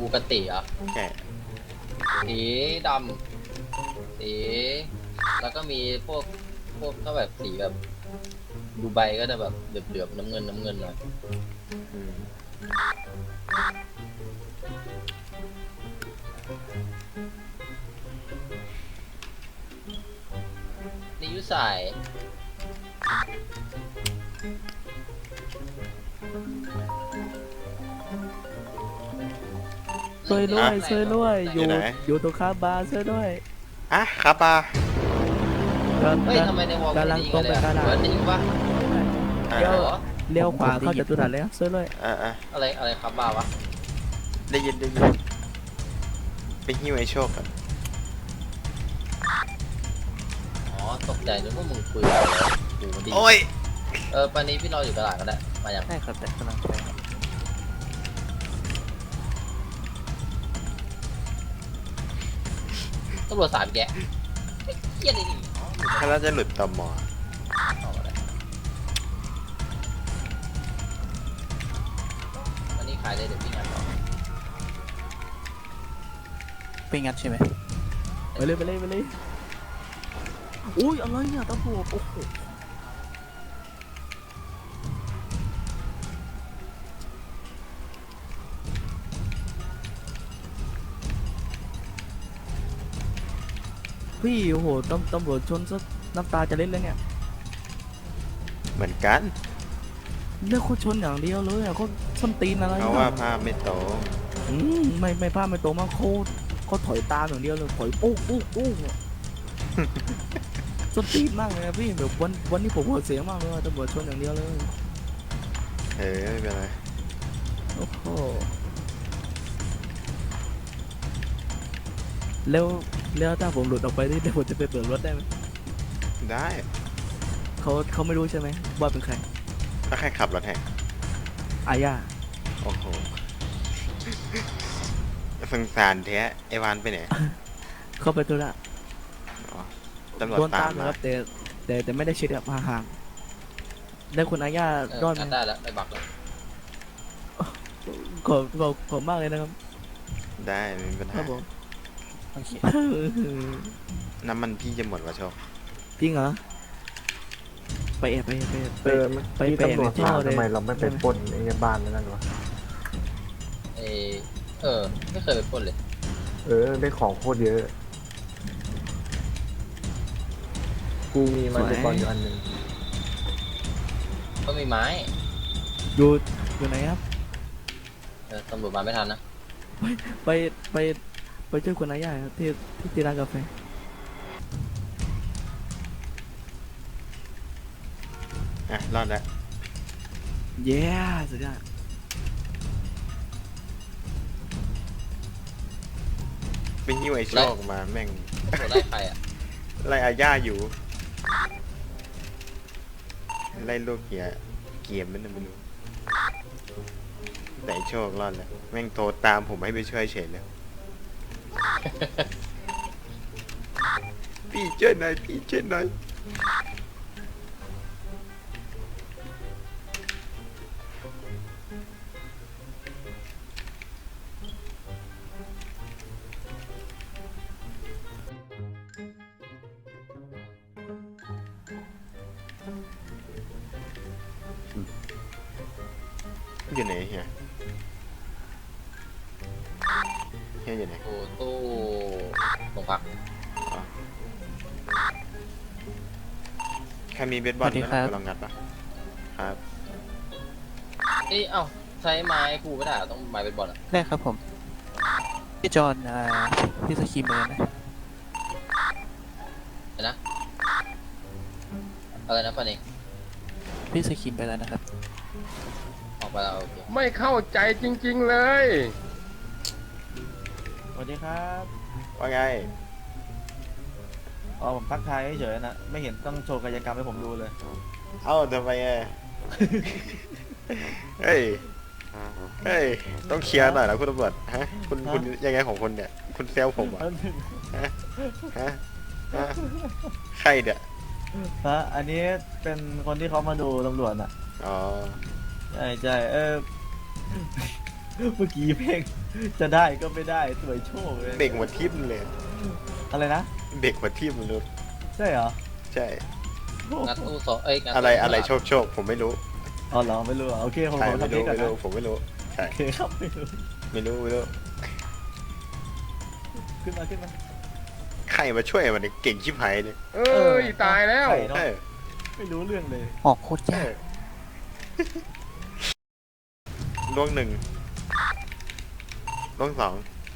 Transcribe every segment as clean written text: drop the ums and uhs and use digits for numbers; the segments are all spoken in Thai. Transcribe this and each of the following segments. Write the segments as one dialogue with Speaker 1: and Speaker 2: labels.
Speaker 1: กติเหรอ
Speaker 2: ใช่
Speaker 1: สีดำสีแล้วก็มีพวกถ้าแบบสีแบบดูไบก็จะแบบเหลือบๆน้ำเงินหน่อย
Speaker 2: อืม
Speaker 1: นี่ยุสาย
Speaker 3: ช่วยด้วยช่วยด้วยอยู่
Speaker 2: ไหน
Speaker 3: อยู่ตรงข้ามบาร์ช่วยด้วย
Speaker 2: อ่ะครับปา
Speaker 1: เฮ้ยทำไมในวอล
Speaker 3: กำลังตรงไปกระดาษ
Speaker 1: เหมือนได้ยินปะ
Speaker 2: อ่า
Speaker 3: เดี๋ยว
Speaker 1: เหรอ
Speaker 3: เลี้ยวขวาเข้าจตุรัสแล้วช่วยด้วย
Speaker 2: อ่า
Speaker 1: อะไรครับบ้าวะ
Speaker 2: ได้ยินไปหิ้วไอ้โชคกัน
Speaker 1: อ๋อตกใจนึกว่ามึงคุยอะไรกูมันดี
Speaker 2: โอ้ย
Speaker 1: ปานนี้พี่รออยู่ตลาดก็ได้มาอย่าง
Speaker 3: ได้ครับแต่กำลังไป
Speaker 1: ตำรวจ3 แกะเหี้ยอะไรนี่
Speaker 2: ถ้าเราจะหลุดตม
Speaker 1: เอาอะไรวันนี้ขายได้เดี๋ยวพี่งานต่อ
Speaker 3: ไปงัดใช่ไหมไปเลยไปเลยไปเลยอุ้ยอะไรเนี่ยตำรวจโอ้โหพี่โอ้โหตำรวจชนซะน้ำตาจะเล็ดเลยเนี่ย
Speaker 2: เหมือนกัน
Speaker 3: เลือกเขาชนอย่างเดียวเลยอ่ะเขาส้นตีนอะไร
Speaker 2: เพราะว่าภาพไม่โต
Speaker 3: ไม่พลาดไม่ตรงมากเขาถอยตามอย่างเดียวเลยถอยปุ๊กปุ๊กปุ๊กเนี่ย ส้นตีนมากเลยนะพี่แบบวันนี้ผมหัวเสียมากเลยว่าตำรวจชนอย่างเดียวเลย
Speaker 2: ไม่เป็นไร
Speaker 3: โอ้โหแล้วถ้าผมหลุดออกไปนี่เดี๋ยวผมจะไปเปิดรถได้ไหม
Speaker 2: ได้
Speaker 3: เขาไม่รู้ใช่ไหมว่าเป็นใคร
Speaker 2: ถ้าใครขับรถแห่
Speaker 3: อาญา
Speaker 2: โอ้โหสงสารแท้ไอวานไปไหน
Speaker 3: เขาไปธุระ
Speaker 2: อ๋อตำรวจ
Speaker 3: โดน
Speaker 2: ตา
Speaker 3: ตาม ม
Speaker 2: มา
Speaker 3: นะครับแต่ไม่ได้ชิดกับห่างๆได้คุณอาญารอดไหม
Speaker 1: ได้แล้วได้บักแล้ว
Speaker 3: ขอบมากเลยนะครับ
Speaker 2: ได้ไม่มีปัญ
Speaker 3: ครั
Speaker 2: หา
Speaker 3: บผมโอเค
Speaker 2: น้ำมันพี่จะหมดวะโชค
Speaker 3: จริงเหรอไปแอบไป
Speaker 4: ที่ตำรวจ
Speaker 3: ท่
Speaker 4: ถาม
Speaker 3: เลย
Speaker 4: ทำไมเราไม่ไปปล้นไอ้บ้านนั่นวะ
Speaker 1: ไม่เคยไปปล้นเลย
Speaker 4: ได้ของโคตรเยอะ กูมีมันเป็นบอลอยู่อันหนึ่ง
Speaker 1: ก็มีไม้
Speaker 3: อยู่ไหนครับ
Speaker 1: ตำรวจมาไม่ทันนะ
Speaker 3: ไปไปช่วยคุณอาญาครับที่ร้านกาแฟ
Speaker 2: อ่ะรอดแล้ว
Speaker 3: เย้สุดยอด
Speaker 2: ไปหิ้วไอ้โชคมาแม่ง
Speaker 1: ตำรวจไล่ใครอ่ะ
Speaker 2: ไล่อาญาอยู่ ไล่ลูกเกียเกียมมันนะไม่รู้แต่ไอ้โชครอดแล้วแม่งโทรตามผมให้ไปช่วยเฉยเลย พี่ช่วยหน่อยพี่ช่วยหน่อยอยู่ไหนเฮียอยู่ไหน
Speaker 1: โอ้ตู้โรงพัก
Speaker 2: ใครมีเบสบอล
Speaker 3: สวัสดีครับ
Speaker 2: ลองงัดปะครับ
Speaker 1: เอ้าใช้ไม้ภูไม่ได้เหรอต้องไม้เป็นบอลอ่ะ
Speaker 3: ได้ครับผมพี่จอนพี่สกีมเลยนะ
Speaker 1: เห็นนะอะไรนะปานนี้
Speaker 3: พี่สกีมไปแล้วนะครับ
Speaker 1: ออกไปแล้วโอเค
Speaker 5: ไม่เข้าใจจริงๆเลย
Speaker 6: สวัสดีครับ
Speaker 2: ว่าไง
Speaker 6: อ๋อผมทักทายเฉยๆนะ ไม่เห็นต้องโชว์กายกรรมให้ผมดูเลย
Speaker 2: เอ้าทำไมอ่ะ เฮ้ย เฮ้ย ต้องเคลียร์หน่อยนะคุณตำรวจฮะ คุณยังไงของคุณเนี่ย คุณเซลผมเหรอ่ะฮะฮะฮะใครเนี่ย
Speaker 6: ฮะ อันนี้เป็นคนที่เขามาดูตำรวจอ่ะ
Speaker 2: อ๋อ
Speaker 6: ใช่เมื่อกี้เพลงจะได้ก็ไม่ได้สวยโชคเลย
Speaker 2: เด็กหัวทิ่มเลย
Speaker 6: อะไรนะ
Speaker 2: เด็กหัวทิ่มเลย
Speaker 6: ใช่เหรอ
Speaker 2: ใช่
Speaker 1: งัดตู้สองงัด
Speaker 2: อะไร
Speaker 1: ตู้
Speaker 2: อะไร
Speaker 1: ข้างหลัง
Speaker 2: โชคผมไม่รู้
Speaker 6: อ๋อเหรอไม่รู้เหรอโอเคผม
Speaker 2: ใช่
Speaker 6: ขอ
Speaker 2: ไม่
Speaker 6: ทำเพล
Speaker 2: รู้
Speaker 6: งก่อน
Speaker 2: ไม่
Speaker 6: นะ
Speaker 2: รู้ผมไม่รู้ใช่
Speaker 6: โอเคครับไม่รู้
Speaker 2: ไม่รู้ไม่รู้
Speaker 6: ขึ้นมาขึ้นมา
Speaker 2: ใครมาช่วยมันเนี่ยเก่งชิบหายเลย
Speaker 5: เอ้ย ตายแล้ว
Speaker 6: ใช่เนอะ
Speaker 2: เออ
Speaker 6: ไม่รู้เรื่องเลย
Speaker 3: ออกโคตร
Speaker 2: เอย
Speaker 3: าก
Speaker 2: อล่วงหนึ่งล่วงสอง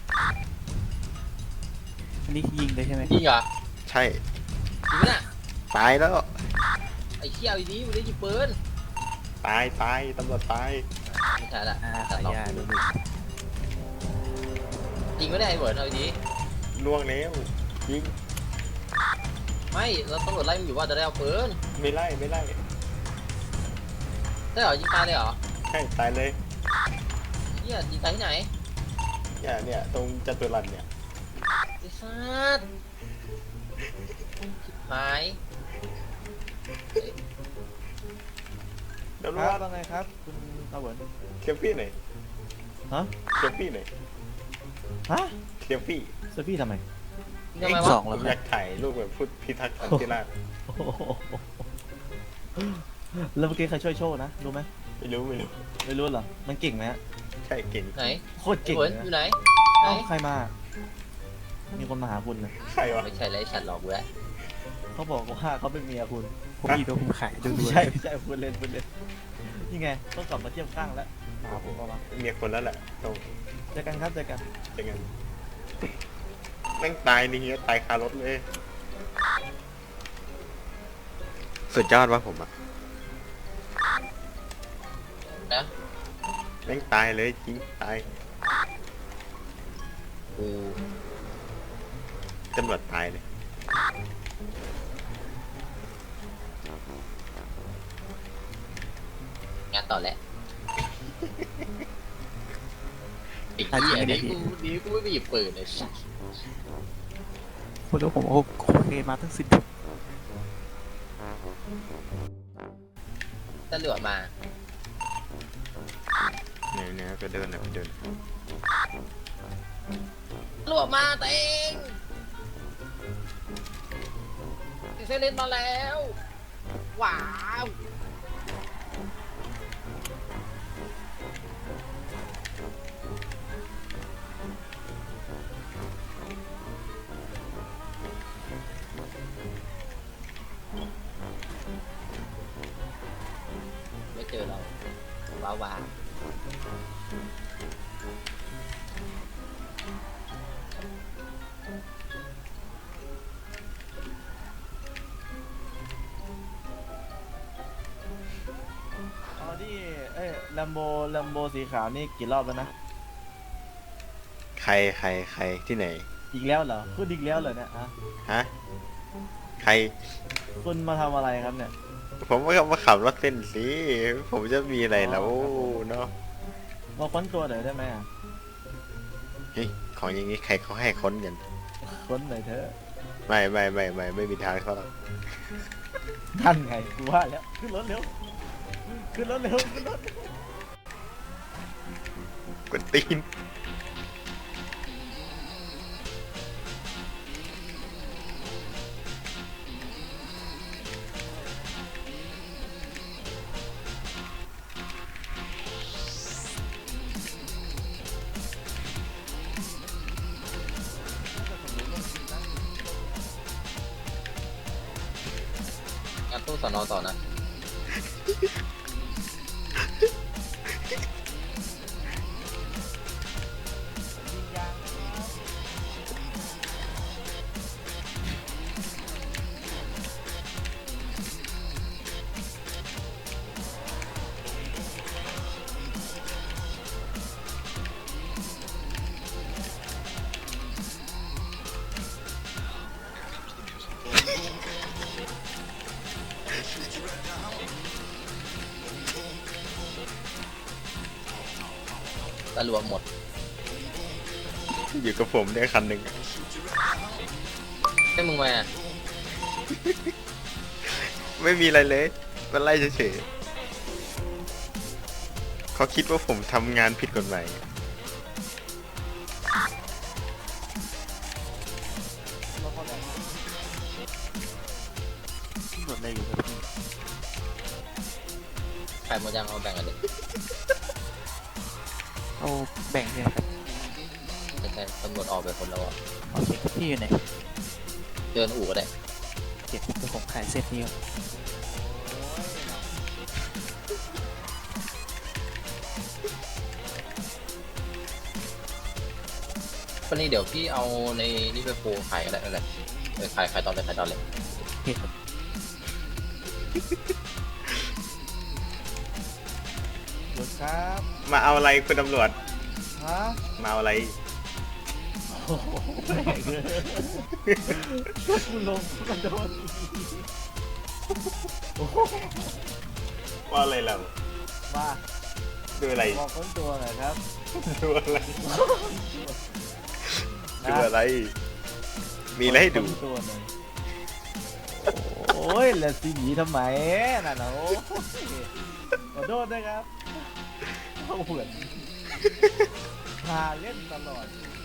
Speaker 3: อันนี้ยิงเลยใช่ไหม
Speaker 1: จริงเหรอ
Speaker 2: ใช่
Speaker 1: จริงปะเนี่ย
Speaker 2: ตายแล้ว
Speaker 1: ไอ้เขี้ยวไอ้นี้มันได้ยิงปืน
Speaker 2: ตายตำรวจตาย
Speaker 1: ไม่ใช่ละ
Speaker 3: ขายยาดูดู
Speaker 1: จริงไม่ได้ไอ้เบิร์ดเอาไอ้นี้
Speaker 2: ล่วงแล้วยิง
Speaker 1: ไม่เราตำรวจไล่มึงอยู่ว่าจะได้เอาปืน
Speaker 2: ไม่ไล่
Speaker 1: ได้เหรอยิงตายเลยเหรอ
Speaker 2: ใช่ตายเลย
Speaker 1: เฮียยิงตายที่ไหน
Speaker 2: เนี่ยตรงจัตุรัสเนี่ย
Speaker 1: ไอ้สัสชิบหาย
Speaker 2: เดี๋ยว
Speaker 6: ค
Speaker 2: รู้
Speaker 6: รับ
Speaker 2: ว่า
Speaker 6: ว่าไงครับ คุณตาเหวิน
Speaker 2: เซลฟี่หน่อย
Speaker 6: ฮะ
Speaker 2: เซลฟี่หน่อย
Speaker 6: ฮะ
Speaker 2: เซลฟี่
Speaker 6: เซอร์พี่ทำไม
Speaker 1: ทำไม
Speaker 3: ส
Speaker 1: วะ
Speaker 3: อง
Speaker 2: ผ
Speaker 3: แล้ว
Speaker 2: ม
Speaker 3: ค
Speaker 2: อ
Speaker 3: รั
Speaker 2: ยา
Speaker 3: บ
Speaker 2: กถ่ายรูปแบบพูดพิทักษ์สันติราษฎร์
Speaker 6: โอ้โหแล้วเมื่อกี้ใครช่วยโชว์นะรู้ไหม
Speaker 2: ไม่รู้
Speaker 6: ไม่รู้เหรอมันเก่งไหมฮะ
Speaker 2: ใช่เก่ง
Speaker 1: ไหน
Speaker 6: โคตร
Speaker 1: ไอ้
Speaker 6: เก่ง
Speaker 1: เบิร์ด
Speaker 6: เลย
Speaker 1: อยู่
Speaker 6: นะ
Speaker 1: ไหนไหน
Speaker 6: เอ้าใครมา มีคนมาหาคุณนะ
Speaker 2: ใครวะ
Speaker 1: ไม่ใช่ไรฉันหลอกกูแล้ว
Speaker 6: เขาบอกว่าเขาเป็นเมียคุณ
Speaker 3: ผมมีตัวผมขายดูดู
Speaker 6: ใช่ไม่ใช่พูดเล่นนี่ไงต้องกลับมาเทียบข้างแล้วมาหาผมก็มา
Speaker 2: เมียคนแล้วแหละต้อง
Speaker 6: เจอกันครับเจอกัน
Speaker 2: จะงั้นแม่งตายนี่เงี้ยตายคารถเลยสุดยอดวะผมอะ
Speaker 1: นะ
Speaker 2: แม่งตายเลยจริงตาย
Speaker 1: กู
Speaker 2: ตำรวจตายเลย
Speaker 1: งานต่อแหละไอ้เหี้ยนี่กูไม่มีปืนเลยสัส
Speaker 3: คุณรู้ผมโอเคมาตั้งสิบ
Speaker 1: ตำรวจมา
Speaker 2: เนี่ยไปเดิน
Speaker 1: ตำรวจมาเต็งเซเลนมาแล้วว้าวไม่เจอเราว้าว
Speaker 6: อ๋อนี่ลัมโบสีขาวนี่กี่รอบแล้วนะ
Speaker 2: ใครที่ไหน
Speaker 6: อีกแล้วเหรอพูดอีกแล้วเหรอเนี่ยฮะ
Speaker 2: ฮะใคร
Speaker 6: คุณมาทำอะไรครับเนี่ย
Speaker 2: ผมว่ามาขับรถเส้นสิผมจะมีอะไรแล้ว
Speaker 6: อ๋อครับผม
Speaker 2: เนาะ
Speaker 6: มาค้นตัวหน่อยได้ไหมอะ
Speaker 2: เฮ้ยของอย่างนี้ใครเขาให้ค้นกัน
Speaker 6: ค้นหน่อยเถอะ
Speaker 2: ไม่มีทางเขาหรอก
Speaker 6: ท่านไงกูว่าแล้วขึ้นรถเร็วขึ้นรถเร็วขึ้นรถ
Speaker 2: กวนตีน
Speaker 1: งานตู้สอนอต่อนะตำรวจหมด
Speaker 2: อยู่กับผมได้คันหนึ่ง
Speaker 1: ให้มึงมา
Speaker 2: ไม่มีอะไรเลยมันไล่เฉยๆเขาคิดว่าผมทำงานผิดกฎหมาย
Speaker 3: ดเลยอยู่กับพี่
Speaker 1: ขายหมดยังเอาแบ่งกันเลย
Speaker 3: เอาแบ่งเลยครับ
Speaker 1: ใช่ตำรวจออกไปคนแล้วอ่ะ
Speaker 3: โอเคพี่อยู่ไหน
Speaker 1: เดินอู่ก็ได้
Speaker 3: เก็บเดี๋ยวผมขายเซตนี้ก่อน
Speaker 1: วันนี้เดี๋ยวพี่เอาในนี่ไปโปรขายก็ได้นั่นแหละขายตอนเลยขายตอนเลย
Speaker 3: โอเคครับ
Speaker 6: รถครับ
Speaker 2: มาเอาอะไรคุณตำรวจ
Speaker 6: ฮะ
Speaker 2: มาเอาอะไร
Speaker 6: โอ้โหแปลกเลยกูลงกระโดดโอ้โห
Speaker 2: ว่าอะไรเรา
Speaker 6: มา
Speaker 2: ดูอะไร
Speaker 6: บอกค้นตัวหน่อยครับ
Speaker 2: ดูอะไรดูอะไร มีอะไรให้ดู
Speaker 6: ค้นตัวหน่อยโอ้ยแล้วสิหนีทำไมน่ะเนาะขอโทษนะครับเขาเหมือนพาเล่นตลอด